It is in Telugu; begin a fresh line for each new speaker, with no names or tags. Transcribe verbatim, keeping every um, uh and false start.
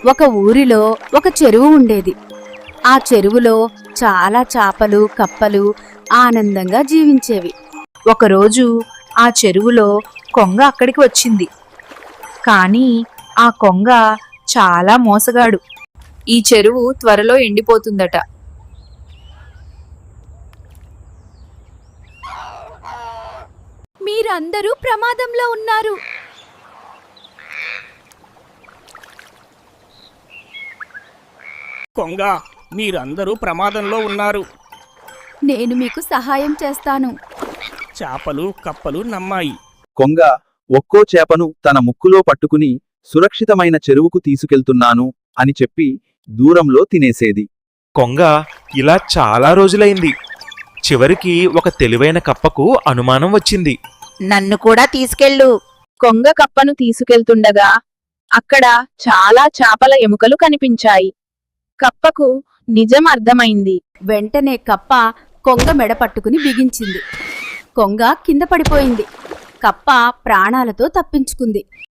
ఒక ఊరిలో ఒక చెరువు ఉండేది. ఆ చెరువులో చాలా చేపలు, కప్పలు ఆనందంగా జీవించేవి.
ఒకరోజు ఆ చెరువులో కొంగ అక్కడికి వచ్చింది. కానీ ఆ కొంగ చాలా మోసగాడు. ఈ చెరువు త్వరలో ఎండిపోతుందట.
మీరందరూ ప్రమాదంలో ఉన్నారు.
కొంగ, మీరందరూ ప్రమాదంలో ఉన్నారు.
నేను మీకు సహాయం చేస్తాను.
చేపలు, కప్పలు నమ్మాయి.
కొంగ ఒక్కో చేపను తన ముక్కులో పట్టుకుని సురక్షితమైన చెరువుకు తీసుకెళ్తున్నాను అని చెప్పి దూరంలో తినేసేది.
కొంగ ఇలా చాలా రోజులైంది. చివరికి ఒక తెలివైన కప్పకు అనుమానం వచ్చింది.
నన్ను కూడా తీసుకెళ్ళు.
కొంగ కప్పను తీసుకెళ్తుండగా అక్కడ చాలా చేపల ఎముకలు కనిపించాయి. కప్పకు నిజం అర్థమైంది.
వెంటనే కప్ప కొంగ మెడ పట్టుకుని బిగించింది. కొంగ కింద పడిపోయింది. కప్ప ప్రాణాలతో తప్పించుకుంది.